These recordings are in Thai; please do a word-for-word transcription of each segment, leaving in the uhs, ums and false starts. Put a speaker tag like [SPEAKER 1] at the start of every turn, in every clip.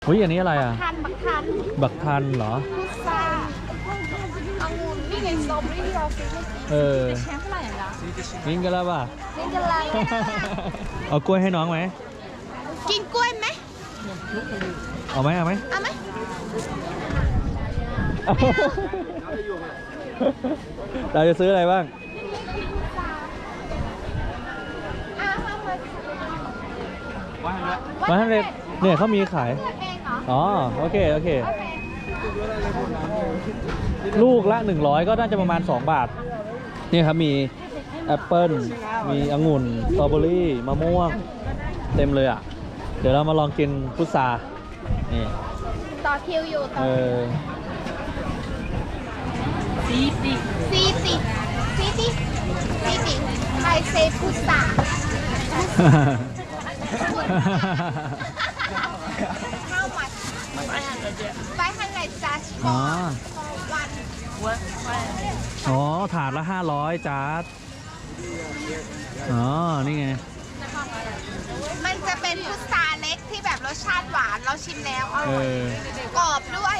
[SPEAKER 1] อุ้ยอันนี้อะไรอ่ะ
[SPEAKER 2] ทันบักทัน
[SPEAKER 1] บักทันเหรอ
[SPEAKER 2] พุทราองุ่นนี่ไงสตรอเบอรี่ที่เราซื้อเมื่อกี้
[SPEAKER 1] เออ
[SPEAKER 2] แชมป์เท่าไหร่อ่ะ
[SPEAKER 1] กินกันแล้วป่ะ
[SPEAKER 2] กินกันแล้ว
[SPEAKER 1] เอากล้วยให้น้องไหม
[SPEAKER 2] กินกล้วยไหม
[SPEAKER 1] เอาไหมเอาไหม
[SPEAKER 2] เอาไหม
[SPEAKER 1] เราจะซื้ออะไรบ้างมาทำเลยเนี่ยเขามีขายอ๋อโอเคโอเคลูกละหนึ่งร้อยก็น่าจะประมาณสองบาทนี่ครับมีแอปเปิ้ลมีองุ่นสตรอเบอรี่มะม่วงเต็มเลยอ่ะเดี๋ยวเรามาลองกินพุทรานี่
[SPEAKER 2] ต่อคิวอยู่ต่อ
[SPEAKER 1] เออ
[SPEAKER 2] ซีซีซีซีซีซีซีซีไทยเซพุทราHow much? five hundred just for
[SPEAKER 1] อ๋อ
[SPEAKER 2] one
[SPEAKER 1] อ๋อถาดละห้าร้อยจาร์ดอ๋อนี่ไง
[SPEAKER 2] มันจะเป็นพุทราเล็กที่แบบรสชาติหวานเราชิมแล้วอ
[SPEAKER 1] เอ
[SPEAKER 2] ร่อย
[SPEAKER 1] อก
[SPEAKER 2] รอบด้วย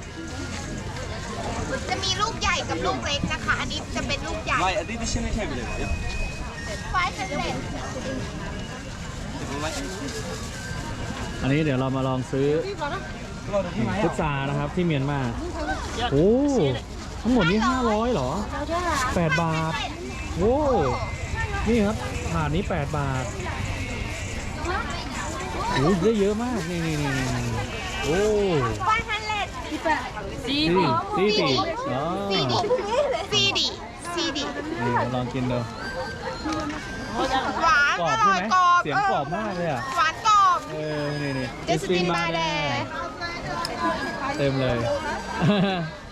[SPEAKER 2] จะมีลูกใหญ่กับลูกเล็กนะคะ อันนี้จะเป็นลูกใหญ่
[SPEAKER 3] Vay, dit is in het hebben.
[SPEAKER 2] five hundred
[SPEAKER 1] อันนี้เดี๋ยวเรามาลองซื้อพุทรานะครับที่เมียนมาโอ้ทั้งหมดนี้ห้าร้อยเหรอแปดบาทโอ้นี่ครับถาดนี้แปดบาทโอ้ได้เยอะมากนี่นี่นี่โอ้
[SPEAKER 2] five hundred
[SPEAKER 1] ซีดีซีดีอ๋อ
[SPEAKER 2] ซีดีซีดีซีดี
[SPEAKER 1] นี่ลองกินดู
[SPEAKER 2] หวาน
[SPEAKER 1] กรอ
[SPEAKER 2] อบ
[SPEAKER 1] ใช่
[SPEAKER 2] ร่อ
[SPEAKER 1] ไห
[SPEAKER 2] ย
[SPEAKER 1] ม
[SPEAKER 2] กรอบ
[SPEAKER 1] เสียงกรอบมากเลยอ่ะ
[SPEAKER 2] หวานกรอบ
[SPEAKER 1] เออนี่นี่
[SPEAKER 2] เจสตินมาแด
[SPEAKER 1] เต็มเลย